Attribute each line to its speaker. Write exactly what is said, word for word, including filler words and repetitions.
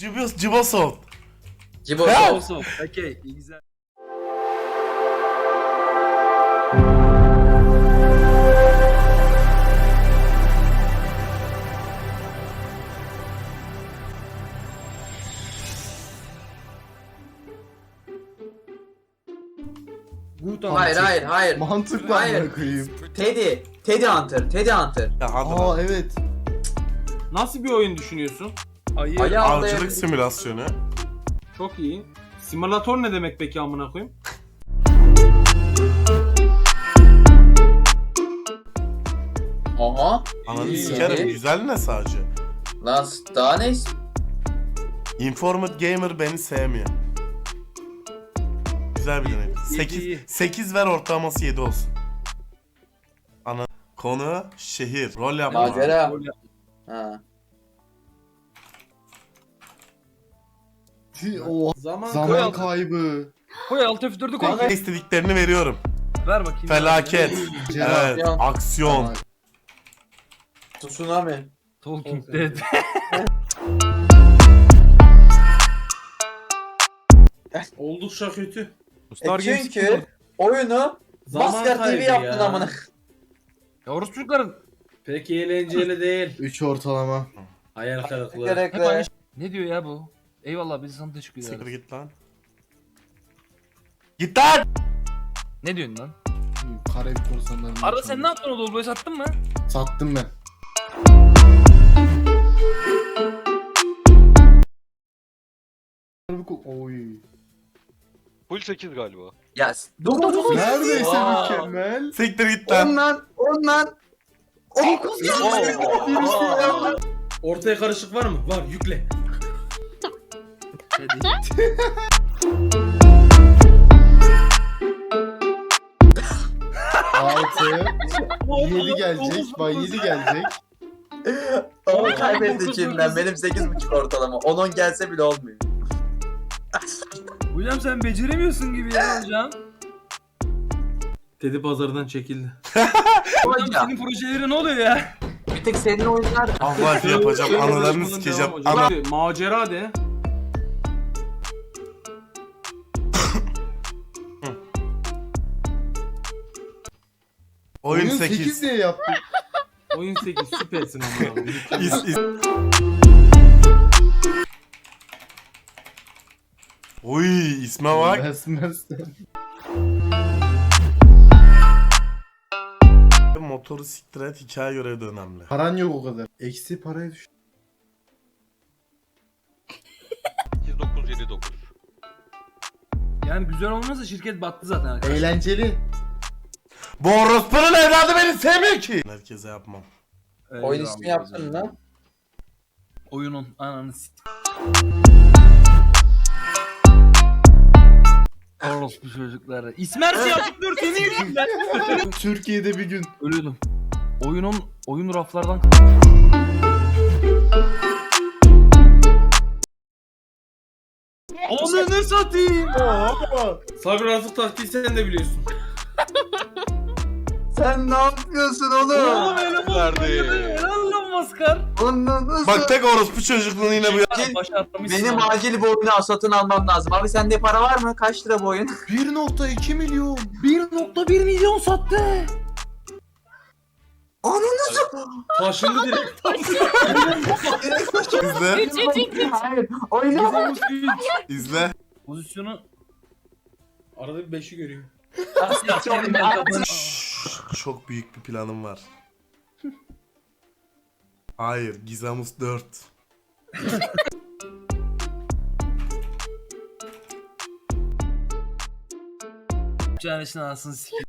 Speaker 1: Cibos, Cibosoft.
Speaker 2: Cibosoft. Okey, iyi güzel.
Speaker 3: Hayır hayır hayır.
Speaker 4: Mantıklı
Speaker 3: Hayır.
Speaker 4: amına koyayım.
Speaker 3: Teddy. Teddy Hunter. Teddy Hunter.
Speaker 1: Ya hadi
Speaker 4: Aa
Speaker 1: lan.
Speaker 4: evet.
Speaker 2: Nasıl bir oyun düşünüyorsun?
Speaker 3: Ali
Speaker 1: Avcılık
Speaker 3: avlayabilir.
Speaker 1: simülasyonu.
Speaker 2: Çok iyi. Simülatör ne demek peki amına koyayım?
Speaker 3: Aha.
Speaker 1: Ananı
Speaker 3: İyi.
Speaker 1: sikerim. Güzel ne sadece?
Speaker 3: Lan daha ne?
Speaker 1: Informed Gamer beni sevmiyor. Güzel bir deneyim.
Speaker 2: iyi,
Speaker 1: sekiz,
Speaker 2: iyi.
Speaker 1: sekiz ver ortalaması yedi olsun. Ana konu şehir. Rol yapma.
Speaker 3: Macera. Ha.
Speaker 4: Oha.
Speaker 2: Zaman,
Speaker 4: Zaman
Speaker 2: koy alt,
Speaker 4: kaybı.
Speaker 2: koy alt F dördü koy.
Speaker 1: Kanka istediklerini veriyorum.
Speaker 2: Ver bakayım.
Speaker 1: Felaket.
Speaker 4: Cevap.
Speaker 1: Evet. Aksiyon.
Speaker 3: Tsunami.
Speaker 2: Talking Dead. Oldukça kötü.
Speaker 3: E çünkü oyunu Maskar T V yaptın amına.
Speaker 2: Yavuz çocukların. Pek eğlenceli değil.
Speaker 4: üç ortalama.
Speaker 2: Hayal kırıklığı.
Speaker 3: Gerekli.
Speaker 5: Ne diyor ya bu? Eyvallah biz sana teşekkür
Speaker 1: Siktir
Speaker 5: ederiz.
Speaker 1: git lan. Git lan!
Speaker 5: Ne diyorsun lan?
Speaker 4: Karayip korsanlarını.
Speaker 5: Arada sen ne yaptın o Dolbo'yu sattın mı?
Speaker 4: Sattım ben. Oy.
Speaker 6: Full sekiz galiba.
Speaker 3: Ya dur dur dur.
Speaker 4: Neredeyse
Speaker 3: Aa.
Speaker 4: mükemmel.
Speaker 1: Siktir git lan.
Speaker 3: Ondan ondan.
Speaker 2: Ortaya karışık var mı? Var, yükle.
Speaker 4: altı. yedi gelecek. Bay yedi gelecek.
Speaker 3: Onu kaybetti içinden. Benim sekiz buçuk ortalama. on on gelse bile olmuyor.
Speaker 5: Hocam sen beceremiyorsun gibi ya hocam.
Speaker 2: Teddy pazardan çekildi.
Speaker 5: Hocam
Speaker 3: Hocam,
Speaker 5: senin projeleri ne oluyor ya?
Speaker 3: bir tek senin oyunlar.
Speaker 1: Allah yapacağım. Analarını sikeceğim. Ana.
Speaker 2: Hadi, macera de.
Speaker 1: Oyun
Speaker 4: Oyun
Speaker 1: sekiz.
Speaker 4: sekiz diye yaptık.
Speaker 2: Oyun sekiz süpersin ama.
Speaker 1: İs, is. Oy isme bak.
Speaker 4: Besmezsen.
Speaker 1: Motoru siktir et, hikaye görevi de önemli.
Speaker 4: Paran yok o kadar. Eksi paraya düş.
Speaker 6: sekiz dokuz yedi dokuz.
Speaker 5: Yani güzel olmazsa şirket battı zaten arkadaşlar.
Speaker 4: Eğlenceli.
Speaker 1: Bu orospunun evladı beni sevmiyor ki. Herkese yapmam.
Speaker 3: Oyun ismi yaptın lan.
Speaker 5: Oyunun ananı s***. Orospu çocukları. İsmersi yazdım dur seni yüzünden.
Speaker 4: Türkiye'de bir gün.
Speaker 5: Ölüyordum. Oyunun oyun raflardan Ananı satayım.
Speaker 2: Sabri Rafık taktiği sen de biliyorsun.
Speaker 3: Sen ne yapıyorsun oğlum?
Speaker 5: Oğlum öyle
Speaker 6: Verdi.
Speaker 5: Helal lan maskar.
Speaker 3: Ondan nasıl?
Speaker 1: Bak tek orospu çocukluğunu yine bu ya.
Speaker 3: Acil-
Speaker 5: Başa atlamışsın.
Speaker 3: Benim
Speaker 5: ama.
Speaker 3: acil bu oyunu satın almam lazım. Abi sende para var mı? Kaç lira bu oyun?
Speaker 4: bir nokta iki milyon.
Speaker 5: bir nokta bir milyon sattı.
Speaker 3: Ananı
Speaker 2: Taşındı direkt.
Speaker 1: İzle.
Speaker 3: Hayır. Oyunu.
Speaker 1: İzle.
Speaker 5: Pozisyonu
Speaker 2: Arada bir beşi görüyor.
Speaker 1: Şşş, çok büyük bir planım var. Hayır, Gizamus dört.
Speaker 5: Canesinin anasını sikeyim.